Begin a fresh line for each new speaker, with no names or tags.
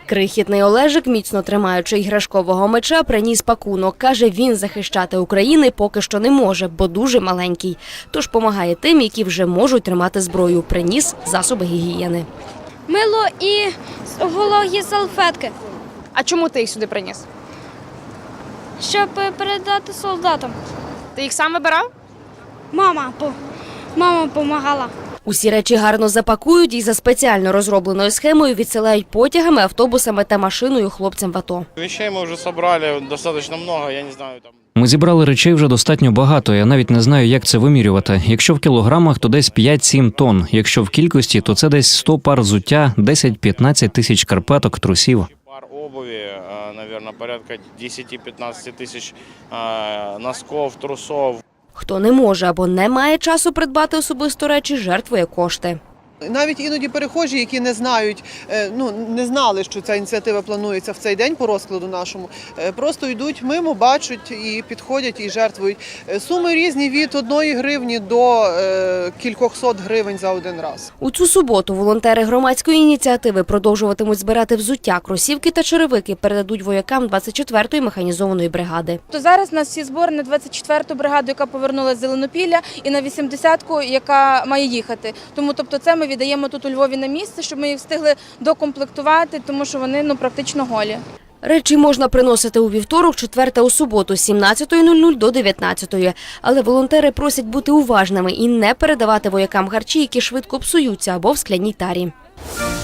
Крихітний Олежик, міцно тримаючи іграшкового меча, приніс пакунок. Каже, він захищати Україну поки що не може, бо дуже маленький. Тож допомагає тим, які вже можуть тримати зброю. Приніс засоби гігієни.
Мило і вологі салфетки,
А чому ти їх сюди приніс?
щоб передати солдатам.
Ти їх сам вибирав?
Мама допомагала.
Усі речі гарно запакують і за спеціально розробленою схемою відсилають потягами, автобусами та машиною хлопцям в АТО.
Вещей мы уже собрали достаточно много, я не знаю, там.
Ми зібрали речей вже достатньо багато, я навіть не знаю, як це вимірювати. Якщо в кілограмах, то десь 5-7 тонн. Якщо в кількості, то це десь 100 пар взуття, 10-15 тисяч шкарпеток, трусів.
Пар обуви, наверное, порядка 10-15 тысяч носков, трусов.
Хто не може або не має часу придбати особисто речі, жертвує кошти.
Навіть іноді перехожі, які не знають, не знали, що ця ініціатива планується в цей день по розкладу нашому, просто йдуть мимо, бачать і підходять і жертвують. Суми різні від 1 гривні до кількохсот гривень за один раз.
У цю суботу волонтери громадської ініціативи продовжуватимуть збирати взуття, кросівки та черевики, передадуть воякам 24-ї механізованої бригади.
То зараз у нас всі збори на 24-ту бригаду, яка повернулася з Зеленопілля, і на 80-ку, яка має їхати. Тому це ми віддаємо тут у Львові на місце, щоб ми їх встигли докомплектувати, тому що вони практично голі.
Речі можна приносити у вівторок, четвер та у суботу з 17:00 до 19:00. Але волонтери просять бути уважними і не передавати воякам харчі, які швидко псуються або в скляній тарі.